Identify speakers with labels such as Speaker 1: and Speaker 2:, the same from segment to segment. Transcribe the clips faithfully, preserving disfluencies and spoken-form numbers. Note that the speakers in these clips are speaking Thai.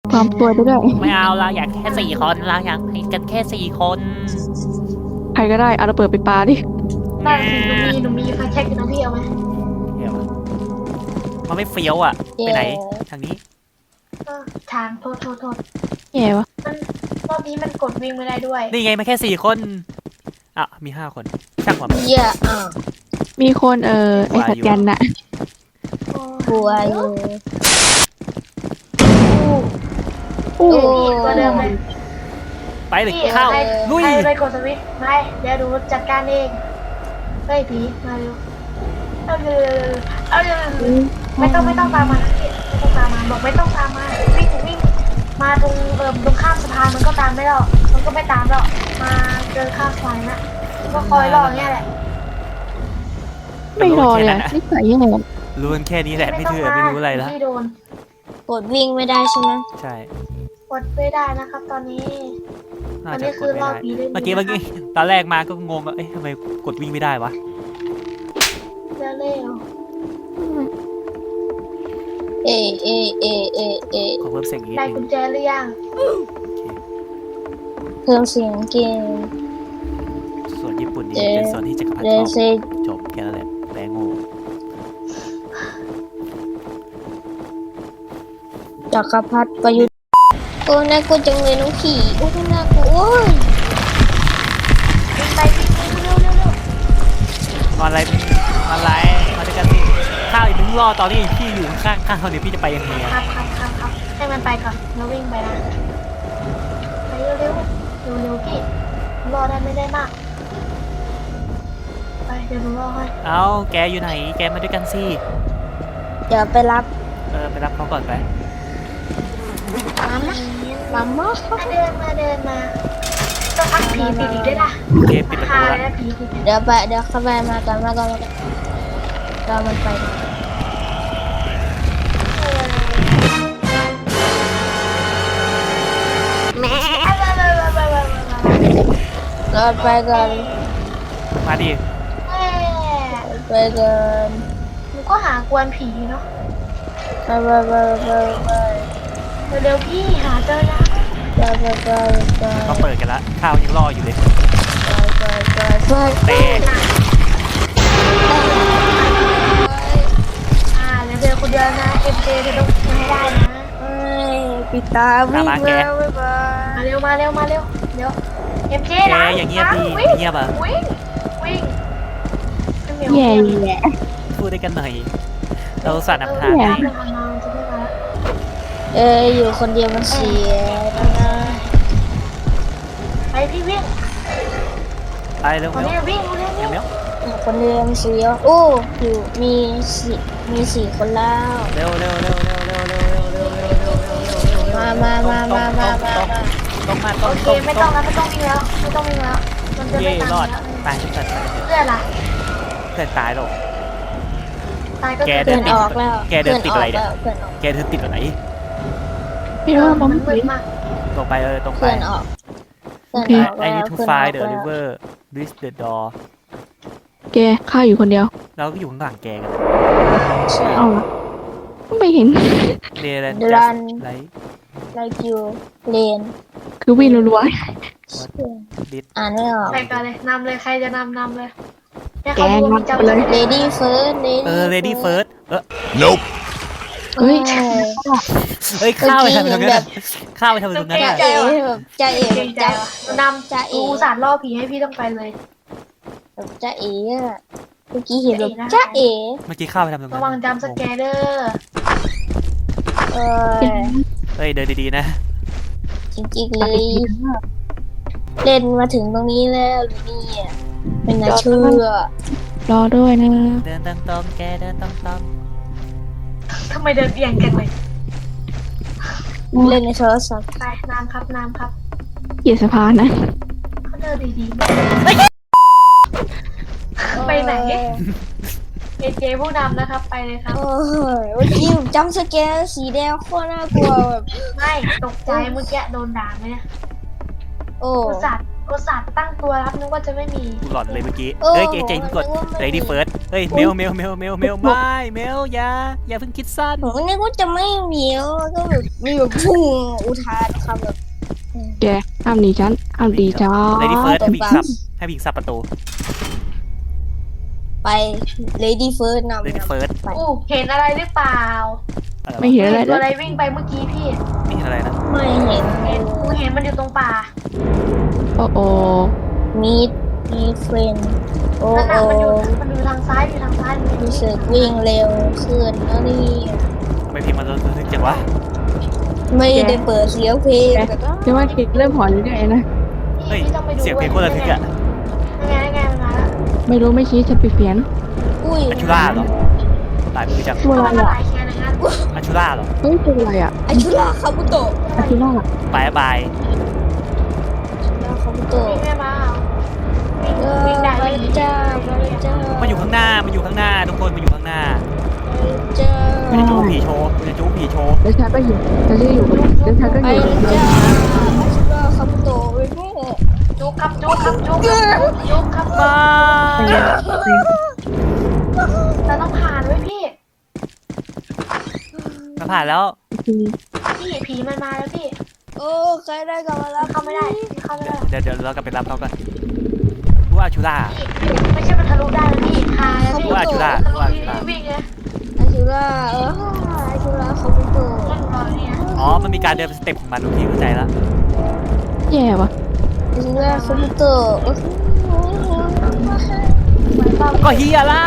Speaker 1: ความตัวไปด้วย
Speaker 2: ไม่เอาเราอยากแค่สี่คนเราอยากให้กันแค่สี่คน
Speaker 1: ใครก็ได้เอาระเบิดไปปาดิ
Speaker 3: ได้สิหนูมีหนูมีไฟแช็กอยู่นะพี่เอาไหม
Speaker 2: เดี๋ยวมันไม่เฟี้ยวอ่ะไปไหนทางนี้
Speaker 3: เออทางโทษโทษโทษ
Speaker 1: แย่วะ
Speaker 3: มันรอบนี้มันกดวิ่งไม่ได้ด้วย
Speaker 2: นี่ไงมาแค่สี่คนอ่ะมีห้าคนช่างหัวมัน
Speaker 4: เยอะอ่ะ
Speaker 1: มีคนเออไอ้สัตว์ยันน่ะ
Speaker 4: กลัวอยู่
Speaker 1: อู้
Speaker 4: โอ้
Speaker 3: ตัวเดิมเลย
Speaker 2: ไปเลย
Speaker 3: พี่
Speaker 2: เข้า
Speaker 3: ใคร
Speaker 2: ลุย
Speaker 3: ใครไปกดสวิตช์ไม่เดี๋ยวดูจัดการเองเฮ้ยผีมาเร็วเอาเร็วเอาเร็วไม่ต้องไม่ต้องตามมาพี่ไม่ต้องตามมาบอกไม่ต้องตามมาวิ่งวิ่งมาตรงเอ่อตรงข้ามสะพานมันก็ตามไม่หรอกมันก็ไม่ตามหรอกมาเดินข้ามสะพานนะก็คอยรออย่างเงี้ยแหละ
Speaker 1: ไม่รอเลยอะนี่ใส่ยังไงอะ
Speaker 2: รู้กันแค่นี้แหละไม่เชื่อไม่รู้อะไรแล้ว
Speaker 3: ไม่โดน
Speaker 4: กดวิ่งไม่ได้ใช่ไหม
Speaker 2: ใช่
Speaker 3: กดไม่ได้นะครับ ตอนนี้
Speaker 2: น่า
Speaker 3: อัน
Speaker 2: จะ
Speaker 3: นี้
Speaker 2: ก
Speaker 3: คื
Speaker 2: ด
Speaker 3: อ
Speaker 2: ไม่
Speaker 3: รอบ
Speaker 2: ได้
Speaker 3: ผีเล่น
Speaker 2: เมื่อกี้เมื่อกี้ตอนแรกมาก็งงว่าเอ๊ะทำไมกดวิ่งไม่ได้วะ
Speaker 3: เร็วเร็ว
Speaker 4: เอเอเอเอเอ
Speaker 2: ขอเพิ่มเสียงอีกนิ
Speaker 3: ได้
Speaker 2: ดนึ
Speaker 3: กุ
Speaker 2: ง
Speaker 3: ญแจหรือยัง
Speaker 4: เพิ่มเสียงเกม
Speaker 2: ส่วนญี่ปุ่นนี่
Speaker 4: เอ๊ะ
Speaker 2: เป็นส่วนที่จักรพรรดิ
Speaker 4: เด
Speaker 2: ชอบ
Speaker 4: ซ
Speaker 2: จบแค่นั้นแหละแปลงโง่
Speaker 4: จักรพรรดิประยุทธ์โอ้น่ากลัวจังเลยน้องขี่โอ้น่ากลัวโอ้ย
Speaker 3: วิ่งไปวิ่งไปเร็วเร็วเร็ว
Speaker 2: นอนอะไรนอนอะไรมาด้วยกันสิข้าวอีกนึงรอตอนนี้พี่อยู่ข้างข้าวเนี่ยพี่จะไปยังไง
Speaker 3: ค
Speaker 2: อะ
Speaker 3: รับครับครับครับให้มันไปก่อนแล้ววิ่งไปนะไปเร็วเร็วเร็วเร็วพี่รอได้ไม่ได้มากไปเดี๋ยวหนูรอให้
Speaker 2: เอาแกอยู่ไหนแกมาด้วยกันสิ
Speaker 4: เดี๋ยวไปรับ
Speaker 2: เออไปรับเขาก่อนไป
Speaker 4: มามามามา
Speaker 3: มาเดินมาเดินมาต้องพักผีติดอีกด้วยนะ
Speaker 2: โอเคปิดประ
Speaker 3: พา
Speaker 2: ตู
Speaker 3: เล
Speaker 2: ละ
Speaker 3: ยนะผีติด
Speaker 4: เดี๋ยวไปเดี๋ยวเข้าไปมากันมากันมากันเรามันไปแม่เราไปกัน
Speaker 2: มาดิ
Speaker 3: แม่
Speaker 4: ไปกัน
Speaker 3: หนูก็หากวนผีเนาะ
Speaker 4: ไปไปไปไปไป
Speaker 3: เร็วๆพี่หาเจอนะ
Speaker 4: ไปไปไปไป
Speaker 2: เขาเปิดกันละข้าวยังรออยู่เลย
Speaker 4: ไปไปไป
Speaker 2: เตะ
Speaker 3: อ่าเดี๋ยวเธอคนเดียวนะเอ็มเจเธอต้องมาให้ได้นะ
Speaker 4: ปิดตาวิ่งแล้วบ๊ายบาย
Speaker 3: มาเร็วมาเร็วมาเร็วเดี๋ยวเอ็มเจ
Speaker 2: แก
Speaker 3: ล้าง
Speaker 2: อย่างเงียบดี
Speaker 3: วิ่ง
Speaker 2: เงียบอ่ะ
Speaker 3: วิ่งวิ่ง
Speaker 1: แย่แย่
Speaker 2: พูดได้กันหน่อยเราสัตว์นำทาง
Speaker 1: แย่
Speaker 2: ให้
Speaker 4: เอออยู่คนเดียวมันเสียนะ
Speaker 3: ไปพี่วิ่ง
Speaker 2: ไปเร็ว
Speaker 3: คน
Speaker 2: เร็ว
Speaker 3: นี้วิ่งคนนี้
Speaker 2: เดี๋
Speaker 3: วิ่
Speaker 2: ยว
Speaker 3: ง
Speaker 2: เร็ว
Speaker 4: คนเดียวมันเสียโอ้อยู่มีสี่มีสี่คนแล้ว
Speaker 2: เร็วเร็วเร็วเร็วเร็วเร็วเร็วเร็วเร็วเร็วเร็วเร็วเร็ว
Speaker 4: มามามามามามามา
Speaker 2: ต้องมาต้
Speaker 3: โอ
Speaker 2: อง
Speaker 3: เค
Speaker 2: ต้อง
Speaker 3: ไม่ต้องแล้วไม่ต้องวิ่งแล้วไม่ต้องวิ่งแล้วมันจะ
Speaker 2: เย่
Speaker 3: ไม่ตาม
Speaker 2: รอด
Speaker 3: แล้ว
Speaker 2: ตายทุกคน
Speaker 3: เพื่อนล่ะ
Speaker 2: เพื่อนตายหรอก
Speaker 3: ตายก็
Speaker 2: แก
Speaker 3: คือ
Speaker 4: เพื่อนออกแล้ว
Speaker 2: แกเดินติดอะไรเนี่ย
Speaker 4: เพื่อนออก
Speaker 2: แกเธอติดอะไร
Speaker 1: ไม่รู้ว่า
Speaker 3: มั
Speaker 1: มัน น
Speaker 3: มืดมาก
Speaker 2: ตรงไปเออตรงไป
Speaker 4: เพื่อนออกเพื่อนออก
Speaker 2: ไอ้
Speaker 4: แล้ว
Speaker 2: นี่ทู
Speaker 4: เพื่อน
Speaker 2: ไฟ
Speaker 4: ออก
Speaker 2: เดอะ
Speaker 4: แล้ว
Speaker 2: ริเวอร์ริสเดอะดอ
Speaker 1: แกข้าอยู่คนเดียว
Speaker 2: เราก็อยู่ข้างหลังแกกัน
Speaker 4: ใช่
Speaker 1: เอาละไม่เห็น
Speaker 2: เดรน
Speaker 4: รัน
Speaker 2: ไล
Speaker 4: like you เลน
Speaker 1: คือวิ่งรัว
Speaker 2: ดิส
Speaker 4: อ่านไม่ออก
Speaker 3: ไปกันเลยนำเลยใครจะนำนำเลยเนี่ย
Speaker 1: ๆแก
Speaker 3: เขาดู
Speaker 1: งับ
Speaker 3: จำ
Speaker 1: ไปเลย
Speaker 4: lady first lady
Speaker 2: เออ lady first เออ
Speaker 5: Nope.
Speaker 1: เฮ้ย
Speaker 2: เฮ้ยข้าวไปทำตรงนั้นอะข้าวไปทำตรงนั้น
Speaker 4: จะ
Speaker 2: อะ
Speaker 4: เอ๋แบบจะเอ๋
Speaker 3: เกร
Speaker 4: แบบ
Speaker 3: งใจ
Speaker 4: จะ
Speaker 3: ว่ะนำ
Speaker 4: จะเอ๋
Speaker 3: กูสารล่อผีให้พี่ต้องไปเลย
Speaker 4: แบบจะเอ๋อะเมื่อกี้เห็นแบบจะเอ๋
Speaker 2: เมื่อกี้ข้าวไปทำตรงนั้
Speaker 3: ระ
Speaker 2: น
Speaker 3: วังจำสแกเดอร์
Speaker 4: เออ
Speaker 2: เฮ้ยเดินดีๆนะ
Speaker 4: จริงๆเลยเล่นมาถึงตรงนี้แล้วนี่อ่ะเป็นน่าเชื่อ
Speaker 1: รอด้วยนะ
Speaker 2: เดินตรงๆแกเดินตรง
Speaker 3: ทำไมเดินเอียงกันเลย
Speaker 4: เล่นในโทรศัพท์
Speaker 3: ไปน้ำครับน้ำครับ
Speaker 1: เหยียดสะพานนะ
Speaker 3: เขาเดินดีๆไปไหนเอเจผู้นำนะครับ ไปเลยครับ
Speaker 4: โอ้ยเมื่อกี้ผมจำสแกนสีแดงโคตรน่ากลัวแบบ
Speaker 3: ไม่ตกใจเมื่อกี้โดนด่าไหมเนี่ย
Speaker 4: โอ้
Speaker 3: กูสัตว์กดสัตว์ตั้งตัวรับนึกว่าจะไม่มี
Speaker 2: กูหลอนเลยเมื่อกี้เฮ้ยเจเจกด lady first เฮ้ยเมลเมลเมลเมลเมลไม่เมลอย่าอย่าเพิ่งคิดสั้น
Speaker 4: ผมนึกว่าจะไม่มีแล้วก็แบบมีแบบพุ่งอุทานคำแบบ
Speaker 1: แกห้ามหนีฉันห้ามดีจ้า
Speaker 2: lady first ให้พิงซับให้พิงซับประตู
Speaker 4: ไป lady first นำ
Speaker 2: lady first
Speaker 4: ไป
Speaker 3: อู้เห็นอะไรหรือเปล่า
Speaker 1: ไม่เห็นอะไร
Speaker 3: เห็น
Speaker 1: เล
Speaker 3: ตัวอะไร
Speaker 1: ย
Speaker 3: วิ่งไปเมื่อกี้พี่
Speaker 2: นี่อะไรนะ
Speaker 4: ไม่เห็น
Speaker 3: เห็นกูเห็นมันอยู่ตรงป่า
Speaker 1: โอ้โอ
Speaker 4: มีดมีเฟรนโอ้
Speaker 3: นั่น
Speaker 4: โอ้
Speaker 3: น่ะมันอยู่มันอยู่ทางซ้ายอยู่ทางซ้ายมันอยู่
Speaker 4: รู้สึกวิ่งเร็วขึ้นแล้วนี่
Speaker 2: ทำไมพิมพ์มันรู้สึกจังวะ
Speaker 4: ไม่ได้เปิดเสียงเพลงแต่ก็
Speaker 1: จะว่าคิดเริ่มหอนเรื่อยๆนะ
Speaker 2: เฮ้ย
Speaker 3: พี่ต้องไปดู
Speaker 2: เสียงเพลงคนละทึกอะ
Speaker 3: ยังไงยังไงมันมาแล้ว
Speaker 1: ไม่รู้ไม่ชี้ฉันไปเพี้ยน
Speaker 4: อุ้ย
Speaker 2: อัชูล่าเหรอหลายมือจัง
Speaker 1: ตัวอะไร
Speaker 3: มันมาห
Speaker 1: อ่ะ
Speaker 3: ลายแค่นะฮะ
Speaker 2: อัชูล่าเหรอ
Speaker 1: เฮ้ยตัวอะไรอ่ะ
Speaker 4: อาชุราคาบุโตะ
Speaker 1: อาคิล่า
Speaker 2: บายบาย
Speaker 4: อาชุราคาบุโตะ
Speaker 3: วิ่งแม่มาเอาวิ่ง
Speaker 4: เออ
Speaker 3: วิ่งได้
Speaker 4: มา
Speaker 3: วิ่ง
Speaker 4: จ้ามาจ้า
Speaker 2: มันอยู่ข้างหน้ามันอยู่ข้างหน้าทุกคนมันอยู่ข้างหน้า
Speaker 4: จ้า
Speaker 2: มันจะจู้ผีโชว์มันจะจู้ผีโชว์
Speaker 1: แล้วฉันก็อยู่ฉันจะอยู่กับแล้วฉันก็
Speaker 4: ไป
Speaker 1: อยู่กับ
Speaker 4: จ้าอาชุราคาบุโตะไปแม่
Speaker 3: จุกครับจุกครับจุกครับจุกครับ
Speaker 2: มา
Speaker 3: เราต้องผ่านไว้พี่
Speaker 2: มาผ่านแล้ว
Speaker 3: พี่ผีมันมาแล้วพี่
Speaker 4: โอ้ใครได้กลับมาแล้ว
Speaker 3: เข้าไม่ได้เข้าไม่ได้
Speaker 2: เดี๋ยวเดี๋ยวเรากลับไปรับเขากันว่าอัชูล่า
Speaker 3: พี่ไม่ใช่มันทะลุได้แล้วพี่พาแล้วพี่
Speaker 2: ว่าอาชูล่า
Speaker 3: ทะลุ
Speaker 2: ว่าอาชูล่า
Speaker 3: วิ่งเลย
Speaker 4: อาชุราเอออาชุราคาบุโตะ
Speaker 3: มันรอเนี่ย
Speaker 2: อ๋อมันมีการเดินสเต็ปของมันทุกทีเข้าใจแล้ว
Speaker 1: แย่วะ
Speaker 4: อาชุราคาบุโตะ
Speaker 3: เหมือนตอน
Speaker 2: ก็เฮียแล้ว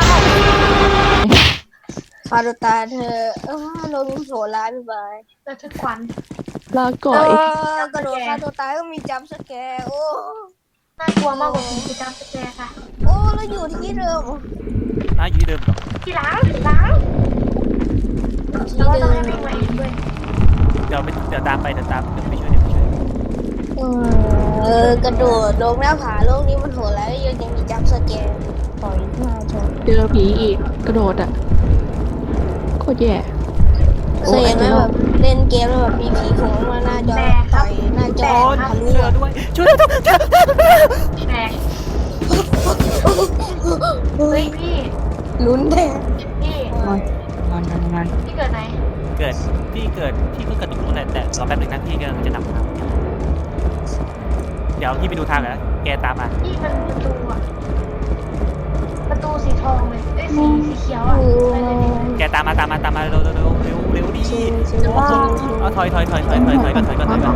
Speaker 4: คาโดตาเธอเออลงโผล่ร้ายบ๊ายบาย
Speaker 3: ระทึกขวัญ
Speaker 1: ลาก่
Speaker 4: เอ
Speaker 1: อย
Speaker 4: อกระโดดฆ่าตัวตายก็มีจัมป์สแกร์โอ้
Speaker 3: น่ากลัวมากกว่าผีคือจำสแกร์ค่ะ
Speaker 4: โอ้แล้วอยู่ที่เดิม
Speaker 2: อ่ะอยู่ที่เดิมเหรอ
Speaker 3: ที่หลังหลัง
Speaker 4: ที่
Speaker 3: แล้วก็
Speaker 4: เดิ
Speaker 3: ต้อง
Speaker 4: ม
Speaker 3: ให้วิ่งมาเองด้วย
Speaker 2: เดี๋ยวไปเดี๋ยวตามไปเดี๋ยวตามเดี๋ยวไปช่วยเดี๋ยวไปช่วย
Speaker 4: เออกระโดดลงหน้าผาโลกนี้มันโหดแล้วยังยังมีจัมป์สแกร์ต่อยหน้าชน
Speaker 1: เจอผีอีกกระโดดอ่ะโคตรแย่
Speaker 4: เคยเห็นไหมแบบเล่นเกมแล้วแบบมีผีโผล่มาหน้าจอต่อยหน้าจอ
Speaker 2: โอ้ย
Speaker 4: ทะลุ
Speaker 2: ช่วยเราด้วยช่วยเราด้วย
Speaker 3: แหมเฮ้ยพี่
Speaker 4: ลุ้นแท้
Speaker 3: พี่
Speaker 1: นอนนอนนอนนอน
Speaker 3: พี่เกิดไหน
Speaker 2: เกิดพี่เกิดพี่ก็เกิดตรงนู้นแหละแต่รอแป๊บหนึงนะพี่กำลังจะนำทางเดี๋ยวพี่ไปดูทางก่อนนะแกตามมา
Speaker 3: พี่มันประตูอะประตูสีทองเลยเอ้ยสีสีเขียวอะไปเลยพี่
Speaker 2: แกตามมาตามมาตามมาเร็วเร็วเร็วเร็วเร็วดิ
Speaker 4: ชิวชิวชิวชิว
Speaker 2: เอาถอยถอยถอยถอยถอยถอยก่อนถอยก่อนถอยก่อน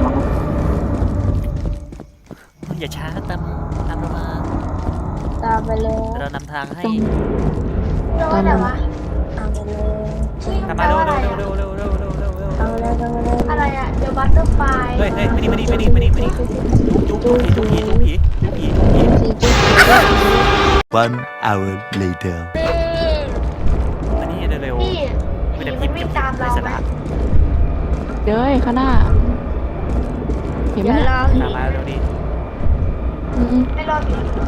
Speaker 2: อย่าช้าตามตามเรามา
Speaker 4: ตามไปเลย
Speaker 2: เดี๋ยวเรานำทางให้
Speaker 3: โดนแต่ว่า
Speaker 4: ตามไปเลย
Speaker 2: ตามมาเร็วเร็วเร็วเร็วเร็วเร็วเร็วเร็วเร็ว
Speaker 4: ตามไปเลยตามไปเลย
Speaker 3: อะไรอะเดี๋ยวบัตเตอร์ไฟ
Speaker 2: เฮ้ยเฮ้ยมานี่มานี่มานี่มานี่มานี่จุ๊บจุ๊บจุ๊บผีจุ๊บผีจุ๊บผีจุ๊บผี
Speaker 4: สี่จุด
Speaker 5: One hour later.
Speaker 2: มานี่เร็ว
Speaker 3: พี่ผีมันวิ่งตามเราไหม
Speaker 1: เด้ยข้างหน้าเห็นไหม
Speaker 4: เดี๋ยว
Speaker 1: น่ะ
Speaker 4: เรา
Speaker 2: ตามมาเร็วดิ
Speaker 1: อืม
Speaker 3: ไม่รอดผี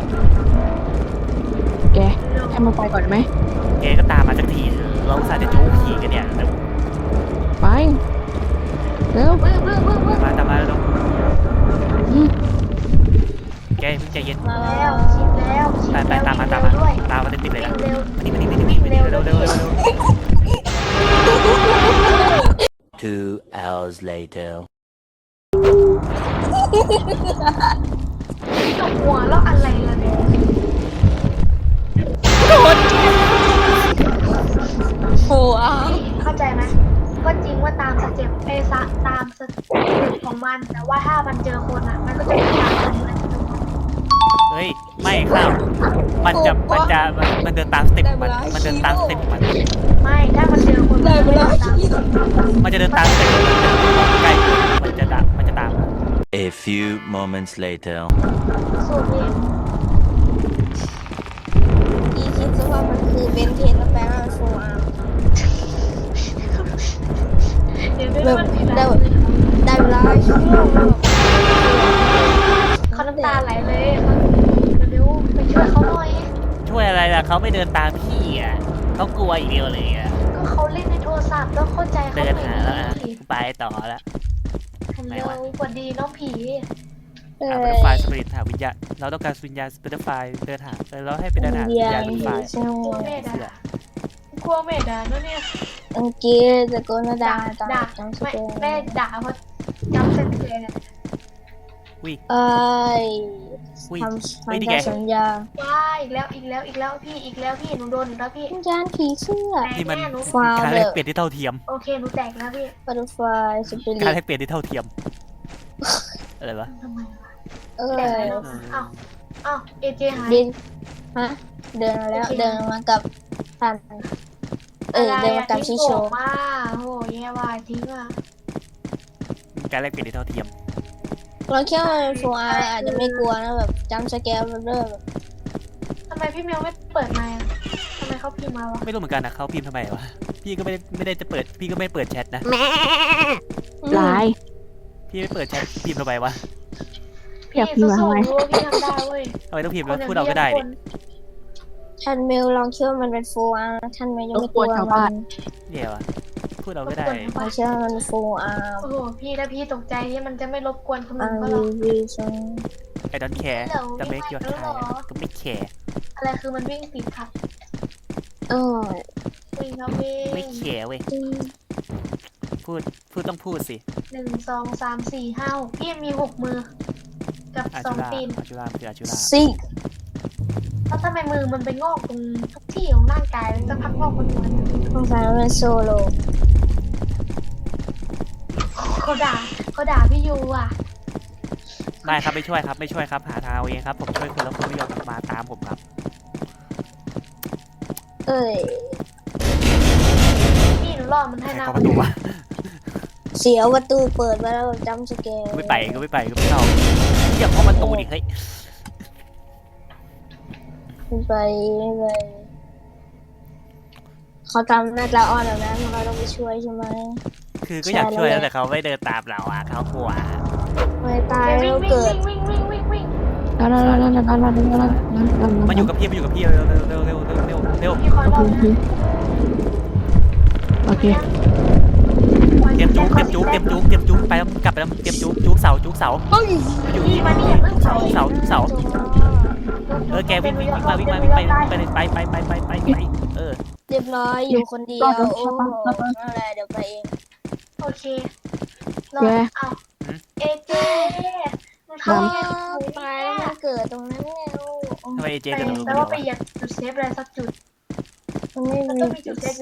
Speaker 1: แกให้มันไปก่อนไหม
Speaker 2: แกก็ตามมาสักทีเราอุตส่าห์จะจุ๊บผีกันเนี่ยเร็ว
Speaker 1: ไปเร็ว
Speaker 3: บึ้งบึ้งบึ้งบึ้ง
Speaker 2: มาตามมาเร็ว
Speaker 1: อืม
Speaker 2: แกเพิ่งใจเย็น
Speaker 4: มา
Speaker 3: แล้
Speaker 4: แล้ว ว
Speaker 3: ชิดแล้วชิด
Speaker 2: ไปไป
Speaker 3: แล้ว
Speaker 2: ตามมา
Speaker 3: วิ่ง
Speaker 2: ตาม
Speaker 3: เร็
Speaker 2: มาว
Speaker 3: ด้วย
Speaker 2: ตามมาติดๆเลย
Speaker 3: วิ่
Speaker 2: นะ
Speaker 3: งเร็ว
Speaker 2: มานี่มานี่มานี่มานี่เร็วเร็วเร็วเร็ว
Speaker 5: Two hours later.
Speaker 3: กับหัวแล้วอะไรล่ะเนี่ย
Speaker 4: โอ้อา
Speaker 3: เข้าใจไหมก็จริงว่าตามสเต็ปไอ้ซะตามสเต็ปของมัน แต่ว่าถ้ามันเจอคนอ่ะ มันก็จะไม่ตามคนนั้น
Speaker 2: เฮ้ยไม่ครับมันจะมันจะมันมันเดินตามสเต็ปของมันมันเดินตามสเต็ปของมัน
Speaker 3: ไม่ถ้ามันเจอคนมันจะไม่ตาม
Speaker 2: มันจะเดินตามสเต็ปของมันใกล้มันจะตามมันจะตาม
Speaker 5: A few moments later.
Speaker 3: สูตรนี้
Speaker 4: พี่คิดซะว่ามันคือเบนเทนแล้วแปลว่าโฟอาร์
Speaker 3: เดี๋ยว
Speaker 4: แบ
Speaker 3: ได้
Speaker 4: บ
Speaker 3: มันผิด
Speaker 4: ได้
Speaker 3: แล้ว
Speaker 4: ได้เวลาชั่วโมงแล้ว
Speaker 3: เขาน้ำตาไหลเลยเขาเร็วไปช่วยเขาหน่อย
Speaker 2: ช่วยอะไรล่ะเขาไม่เดินตามพี่อ่ะเขากลัวอีกเดียวเลยอ่ะ
Speaker 3: ก็เขาเล่นในโทรศัพท์ต้องเข้าใจเขา
Speaker 2: เดิน
Speaker 3: หน่
Speaker 2: หา
Speaker 3: อย
Speaker 2: แล้วอ่ะ
Speaker 3: ดิ
Speaker 2: ไปต่อแล้ว
Speaker 3: ฮัลโหลสวัสดีน้องผี
Speaker 4: เอ้
Speaker 2: หาบัตเตอย ร์ไฟสปิริตหาวิญญาณเราต้องการวิญญาณบัตเตอร์ไฟเดินหาเออเราให้ไปเดินหาวิญญาณบัตเตอร์ไฟ
Speaker 4: ใช่
Speaker 3: กลัวเมดอ่ะกลัวเมดอ่ะนั่นเนี่ย
Speaker 4: อังกฤษตะโกนด่าตา
Speaker 3: ด่า
Speaker 4: จังส
Speaker 3: ไม่
Speaker 4: เกล
Speaker 3: แม่ด่าเพราะจำเส้นเลยเนี่ย
Speaker 2: วิ
Speaker 4: เอ้ย
Speaker 2: วิ
Speaker 4: ทำ
Speaker 2: เฮ้ย
Speaker 4: ทำ
Speaker 2: นี่
Speaker 4: ตา
Speaker 2: ไง
Speaker 4: มสัญญา
Speaker 3: ว้ายอีกแล้วอีกแล้วอีกแล้วพี่อีกแล้วพี่หนูโดนอีกแล้วพี่
Speaker 4: วิญญาณผีเสื้อ
Speaker 3: แต่
Speaker 2: นี่มัน
Speaker 3: แม่หนู
Speaker 4: ฟาว
Speaker 2: การ
Speaker 4: เด
Speaker 2: แล
Speaker 4: อก
Speaker 2: เปลี่ยนที่เท่าเทียม
Speaker 3: โอเคหนูแตกแล้วพี่
Speaker 4: บัตเตอร์ไฟสปิริ
Speaker 2: การ
Speaker 4: ต
Speaker 2: แลกเปลี่ยนที่เท่าเทียมอะไรวะ
Speaker 3: ทำไมวะ
Speaker 4: เอ้
Speaker 3: แตก
Speaker 4: ย
Speaker 3: แล้วอ้าวอ้าวเอเจหาย
Speaker 4: ดินฮะเดินมาแล้วเดินมากับท่านเออเดินมากับชิโช
Speaker 3: มาโอ้แย่ว่ะทิ้งอ่ะ
Speaker 2: การแลกเปลี่ยนที่เท่าเทียม
Speaker 4: เราแค่โฟอาร์อาจจะไม่กลัวนะแบบจำสแกลเริ่ม
Speaker 3: ทำไมพี่เมลไม่เปิดไมค์อะทำไมเขาพิมพ์มาวะ
Speaker 2: ไม่รู้เหมือนกันนะเขาพิมพ์ทำไมวะพี่ก็ไม่ได้ไม่ได้จะเปิดพี่ก็ไม่เปิดแชทนะ
Speaker 1: ลาย
Speaker 2: พี่ไม่เปิดแชทพิมพ์ทำไมวะ
Speaker 1: อยากพิมพ์มาทำไม
Speaker 3: สู้ๆรู้ว่าพี่ทำได้เว้ย
Speaker 2: ทำไมต้องพิมพ์
Speaker 3: ค
Speaker 2: แล้ว
Speaker 3: นอย่าง
Speaker 2: พูดเราก็ได้
Speaker 3: พี่
Speaker 2: ดิ
Speaker 3: คน
Speaker 4: ท่านเมลลองคิดว่ามันเป็นโฟอาร์ท่านเมลยังไม่กลัวมัน
Speaker 2: เนี่ยวะพูดเราก็ได้
Speaker 4: ลองคิดว่ามันโฟอาร์
Speaker 3: โอ้โหพี่ถ้าพี่ตกใจที่มันจะไม่รบกวนคน
Speaker 4: อั
Speaker 3: อื่น
Speaker 4: น
Speaker 3: เขาหร
Speaker 4: รี
Speaker 3: อก
Speaker 4: วิวซง
Speaker 2: ไอ้ดอนแคร์จะไม่เกี่ยวทายก็ไม่แคร์
Speaker 3: อะไรคือมันวิ่งติดขัด
Speaker 4: เออ
Speaker 3: วิ่งครับวิ่ง
Speaker 2: ไม่แคร์เว้ยพูดพูดต้องพูดสิ
Speaker 3: หนึ่งสองสามสี่ห้าหกพี่มีหกมือ กับ
Speaker 2: อา
Speaker 3: สอ
Speaker 2: ชู
Speaker 3: ง
Speaker 2: รา
Speaker 3: ตีน
Speaker 2: อาชูราคืออาชูรา
Speaker 4: ซิก
Speaker 3: แล้วทำไมมือมันไปงอกตรงทุกที่ของร่างกายมันจะพักงอกบนหัวเนี่ย
Speaker 4: สงสัยมันเป็นโซโล
Speaker 3: เขาด่าเขาด่าพี่ยูอ่ะ
Speaker 2: ไม่ครับไม่ช่วยครับไม่ช่วยครับหาทางเอาเองครับผมช่วยคุณแล้วคุณไม่ยอมมาตามผมครับ
Speaker 4: เอ้ย
Speaker 3: พี่หนูล่อมัน
Speaker 2: ใคร
Speaker 3: ให้หน้า
Speaker 2: เข้าประตูวะ
Speaker 4: เสียวประตูเปิดมาแล้วจำสแกล
Speaker 2: ก็ไม่ไปก็ไม่ไปก็ไม่เข้าอย่าเข้าประตูดิเฮ้ย
Speaker 4: ไม่ไปไม่ไปเขาทำหน้าตาอ่อนแบบนั้นเราต้องไปช่วยใช่ไหม
Speaker 2: คือก็อยากช่วยแต่เขาไม่เดินตามเราอ่ะเขากลัว
Speaker 4: ไม่ตาย
Speaker 3: วิ่
Speaker 4: แล้
Speaker 3: ง
Speaker 4: ว
Speaker 3: วิ่ง
Speaker 4: เกิด
Speaker 3: วิ่งวิ่งวิ่งวิ่ง
Speaker 1: แล้วแล้วแล้วแล้วแล้วแล้วแล้วแล้ว
Speaker 2: มาอยู่กับพี่มาอยู่กับพี่เร็วเร็วเร็วเร็วเร็วเร็วเร็ว
Speaker 3: พี่คอยรอนะ
Speaker 1: โอเค
Speaker 2: เตรียมจุกเตรียมจุกเตรียมจุกเตรียมจุกไปแล้วกลับไปแล้วเตรียมจุกจุกเสาจุกเสา
Speaker 4: เฮ้ย
Speaker 2: อยู่
Speaker 3: พี่
Speaker 2: นี่
Speaker 3: มานี่อย่าเพิ่งเสา
Speaker 2: เสาเสาเออแกวิ่งวิ่งวิ่งมาวิ่งมาวิ่งไปไปไปไปไปไปไปเออ
Speaker 4: เรียบร้อยอยู่คนเดียวโอ้โหนั่นแหละเดี๋ยวไปเอง
Speaker 3: โอเครอเอาเอเจมัน
Speaker 4: เฮ้
Speaker 3: เข้าย
Speaker 4: ตายแล้วมันเกิดตรงนั้นแล้ว
Speaker 2: ทำไมเจ๊
Speaker 3: แต่
Speaker 2: จะลง
Speaker 3: แต่ว่าไปเหยียบจุดเซฟอะไรสักจุด
Speaker 4: มันไม่มีจุดเซฟ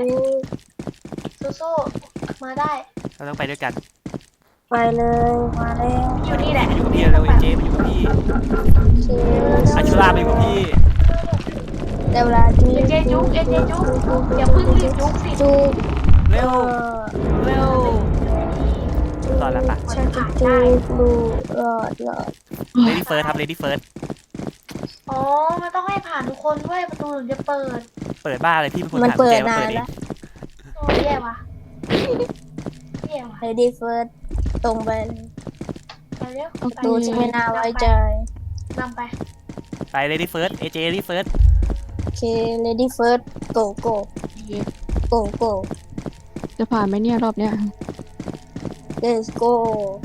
Speaker 3: สู้ๆมาได้
Speaker 2: เราต้องไปด้วยกัน
Speaker 4: ไปเลยมาแล้ว
Speaker 3: อยู่นี่แหละ
Speaker 2: มาอยู่กับพี่เร็วเจ๊มาอยู่กับพี่อาชูรามาอยู่กับพี่
Speaker 4: เดี๋ยวเวลาที่
Speaker 3: เอเจจุกเอเจจุกอย่าเพิ่งรีบจุกสิ
Speaker 4: จุก
Speaker 2: เร็วเร็วรอแล้วปะ
Speaker 4: ฉันจะจุกลูรอดรอด
Speaker 2: เลดี้เฟิร์สครับเลดี้เฟิร์ส
Speaker 3: อ๋อมันต้องให้ผ่านทุกคนด้วยประตูถึงจะเปิด
Speaker 2: เปิดบ้าเลยพี่เป็นคน
Speaker 4: มัน
Speaker 2: ถาม
Speaker 4: เปิ
Speaker 2: แก
Speaker 4: ด
Speaker 2: มาเปิด
Speaker 4: นาน
Speaker 2: เอง
Speaker 4: แล้ว
Speaker 3: โอ้แย่ว่ะแย่ว่ะ
Speaker 4: เลดี้เฟิร์สตรงไป
Speaker 3: ไปเร็ว
Speaker 4: ดูจะไม่น่าไว้ใจ
Speaker 3: นำไป
Speaker 2: ไปเลดี้เฟิร์สเอเจเลดี้เฟิร์ส
Speaker 4: โอเคเลดี้เฟิร์สโกโกโกโก
Speaker 1: จะผ่านไหมเนี่ยรอบเนี้ย
Speaker 4: let's go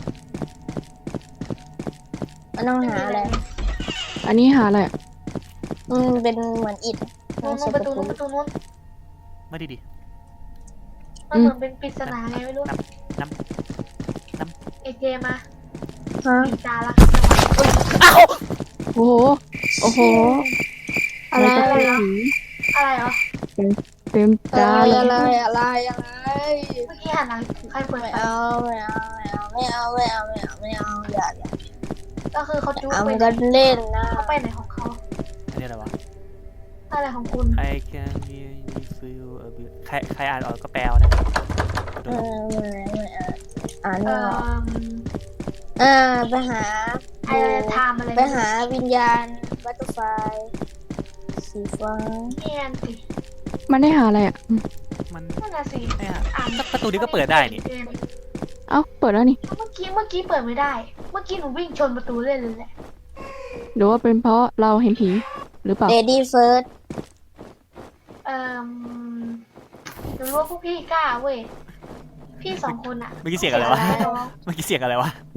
Speaker 4: มันต้องหาอะไร
Speaker 1: อันนี้หาอะไร
Speaker 4: มันเป็นเหมือนอิฐ
Speaker 3: นู้น
Speaker 4: ไม่ใช่
Speaker 3: ป
Speaker 4: ประ ระ
Speaker 3: ตู
Speaker 4: ตู
Speaker 3: นู้นประตูนู้น
Speaker 2: ไม่ดีดิ
Speaker 3: มันเหมือนเป็นปริศนาไงไม่รู้
Speaker 2: น้ำน้ำ
Speaker 3: เอเจมา
Speaker 4: ฮะ
Speaker 3: ปีจาละครับจังหวะ
Speaker 1: โอ้โหโอ้โห
Speaker 4: อะไร
Speaker 1: ม่
Speaker 4: อะไร
Speaker 1: ต้ง
Speaker 3: อะไรเหรอ
Speaker 1: เต็ม
Speaker 4: อะ
Speaker 1: ตา
Speaker 4: ไร
Speaker 1: เลย
Speaker 4: อะไรอะไรอะไร
Speaker 3: เมื่อกี้หันหลังใครเปิด
Speaker 4: ไม่
Speaker 3: ไฟ
Speaker 4: เอาไม่เอาไม่เอาไม่เอาไม่เอาไม่เอาไม่เอาอย่าอย่า
Speaker 3: ก็คือเขาจุ๊
Speaker 4: เอา
Speaker 3: ไป
Speaker 4: มันก็เล่นนะ
Speaker 3: เขาไปไหนของเขา
Speaker 2: อันนี้อะไรวะ
Speaker 3: อะไรของคุณ
Speaker 2: I can really feel a bit ใครใครอ่านออกก็แปลนะ
Speaker 4: เออไม่ไม่อ่านอ่าน
Speaker 3: เอ่
Speaker 4: ไม่ออก
Speaker 3: อ
Speaker 4: อ่าไปหา
Speaker 3: ไอ้ไทม์อะไร
Speaker 4: ไปหาวิญญาณบัตเตอร์ไฟสีฟ้า
Speaker 3: เนียนสิ
Speaker 1: มันได้หาอะไรอ่ะ
Speaker 2: มัน
Speaker 3: นั่นน่ะสิ
Speaker 2: ไม่อะ
Speaker 3: อ่าน
Speaker 2: ประตูนี้ก็เปิดได้นี่
Speaker 1: เอ้าเปิดแล้วนี่
Speaker 3: เมื่อกี้เมื่อกี้เปิดไม่ได้ เมื่อกี้หนูวิ่งชนประตูเลยเลยแหละ
Speaker 1: หรือว่าเป็นเพราะเราเห็นผีหรือเปล่า
Speaker 4: เลดี้เฟิร์ส
Speaker 3: เอ่อหนูรู้ว่าพวกพี่กล้าเว้ย พี่สองคนอะ
Speaker 2: เมื่อกี้เสียงอะไรวะ เมื่อกี้เสียงอะไรวะ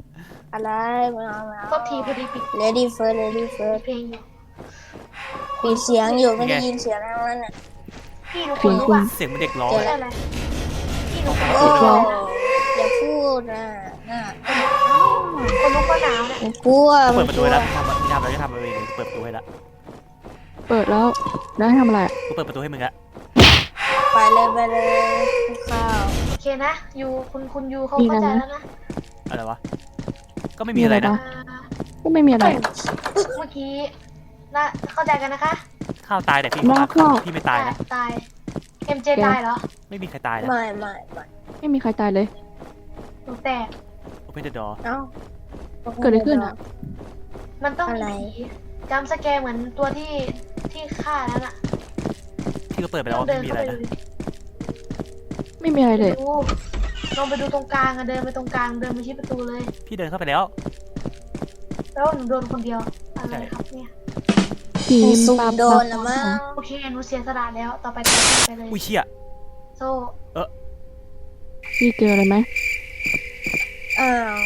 Speaker 4: อะไรไม่เอาไม่เอา
Speaker 3: ก็ทีพอดีปิด
Speaker 4: Lady first Lady first
Speaker 3: เพลงอยู่
Speaker 4: ปิดเสียงอยู่ไม่ได้ยินเสียงทั้งนั้นอ่ะ
Speaker 3: พี่รู้คนรู้ป่ะ
Speaker 2: เสียงเหมันเด็กร้อง
Speaker 3: เจอ
Speaker 2: เลย
Speaker 3: อะไรพี่รู้คน
Speaker 4: โอ้
Speaker 3: รู้
Speaker 4: อย่าพูดนะน่ะ
Speaker 3: คนรู้ก็หนาวเนี่ย
Speaker 4: ผมกลัว
Speaker 2: เปิดประตูให้แล้ว
Speaker 4: ผม
Speaker 2: ทำทำแล้วจะทำอะไรเปิดประตูให้แล้ว
Speaker 1: เปิดแล้วแล้วให้ทำอะไรอะ
Speaker 2: กูเปิดประตูให้มึงอะ
Speaker 4: ไปเลยไปเลยข้าว
Speaker 3: โอเคนะยูคุณคุณยูเขาเข้าใจแล้วนะ
Speaker 2: อะไรวะก็ไม่มีอะไรนะ
Speaker 3: อ่า
Speaker 1: ก็ไม่มีอะไร
Speaker 3: เมื่อกี้นะเข้าใจกันนะคะ
Speaker 2: ข้าวตายแต่พี่
Speaker 1: นอกรอบ
Speaker 2: พี่ไม่ตายนะ
Speaker 3: ตายเอ็มเจตายเหรอ
Speaker 2: ไม่มีใครตายนะ
Speaker 4: ไม่ไม่ไม่
Speaker 1: ไม่มีใครตายเลย
Speaker 3: หนูแตก
Speaker 2: Open the door
Speaker 4: เอ้า
Speaker 1: เกิดอะไรขึ้นอะ
Speaker 3: มันต้อง
Speaker 4: อะไร
Speaker 3: มีผีจำสแกร์เหมือนตัวที่ที่ฆ่าแล้วน่ะ
Speaker 2: พี่ก็เปิดไปแล้ว
Speaker 3: ต้อง
Speaker 2: ว่า
Speaker 3: เดิน
Speaker 2: ไม่มี
Speaker 3: เข้า
Speaker 2: อะไร
Speaker 3: ไป
Speaker 2: นะ
Speaker 3: ดู
Speaker 1: ไม่มีอะไรเลย
Speaker 3: ดูลองไปดูตรงกลางอะเดินไปตรงกลางเดินไปที่ประตูเลย
Speaker 2: พี่เดินเข้าไปแล้ว
Speaker 3: แล้วหนูโดนคนเดียวอะไรครับเนี่ย
Speaker 1: ผี
Speaker 4: สุ่ม
Speaker 1: ปา
Speaker 4: โดนละมั้ง
Speaker 3: โอเคหนูเสียสละแล้วต่อไปต่อไปเลย
Speaker 2: อุ้ยเชี่ย
Speaker 3: โซ่
Speaker 1: พี่เจออะไรไหม
Speaker 4: อ้าว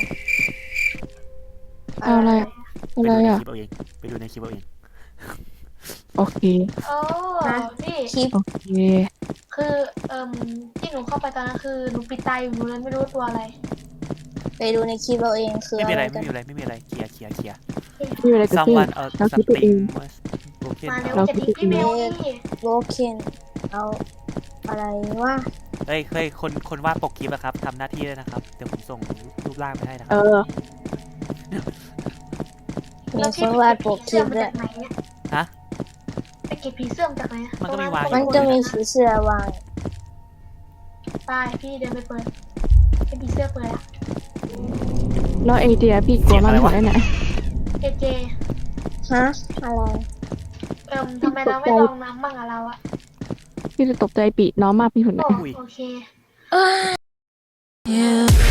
Speaker 1: เอาอะไรอะ
Speaker 2: ไป
Speaker 1: อะไร
Speaker 2: ดูใน
Speaker 1: อ่ะ
Speaker 2: คลิปเอาเองไปดูในคลิปเอาเอง
Speaker 1: โอเค
Speaker 3: โอ้พี่
Speaker 4: คลิป
Speaker 1: โอเค
Speaker 3: คือเอ่มที่หนูเข้าไปตอนนั้นคือหนูปิดตาอยู่หนูเลยไม่รู้ตัวอะไร
Speaker 4: ไปดูในคลิปเราเองคือ
Speaker 2: ไม่มี
Speaker 4: อะ
Speaker 2: อะไร
Speaker 4: ไรกั
Speaker 2: ไม่
Speaker 4: น
Speaker 2: มีอะไรไม่มีอะไรเคลียร์เคลียร์เคลียร์
Speaker 1: ไม่มีอะไรเกิดขึ้น
Speaker 2: someone else
Speaker 1: เราคิดไปเอง
Speaker 2: something was broken
Speaker 3: มาเร็ว
Speaker 1: เรา
Speaker 3: จะ
Speaker 1: คิด
Speaker 3: ทิ้ง
Speaker 1: ไป
Speaker 3: พี่
Speaker 1: เอง
Speaker 3: เมลนี่
Speaker 4: โบเคนเอาอะไรวะ
Speaker 2: เฮ้ยเฮ้ยคนคนวาดปกคลิปอะครับทำหน้าที่ด้วยนะครับเดี๋ยวผมส่งรูปร่างไปให้นะค
Speaker 1: เอ
Speaker 2: รับ
Speaker 1: อ
Speaker 4: มีคนวาดปกคลิป
Speaker 3: มา
Speaker 4: ด้ว
Speaker 3: จาย กไหนเนี่ย
Speaker 2: ฮะ
Speaker 3: ไปเก็บผีเสื้อมาจากไหนอะ
Speaker 2: มันก็มีวาง
Speaker 4: มันจะมีสีเสื้อวาง
Speaker 3: ตายพี่เดินไปเปิดให้ผีเสื้อเปิดอะ
Speaker 1: แล้วเอเดียพี่กลัวมันหัวได้ไหน
Speaker 3: เจเจ
Speaker 4: ฮะอะไร
Speaker 3: เอิ่มทำไมเราไม่ลองน้ำบ้างอะเราอะ
Speaker 1: พี่จะตกใจปีน้องมากพี่หุ่น
Speaker 3: โอ้
Speaker 1: เนี่ย
Speaker 3: โอเค
Speaker 4: เอ้ย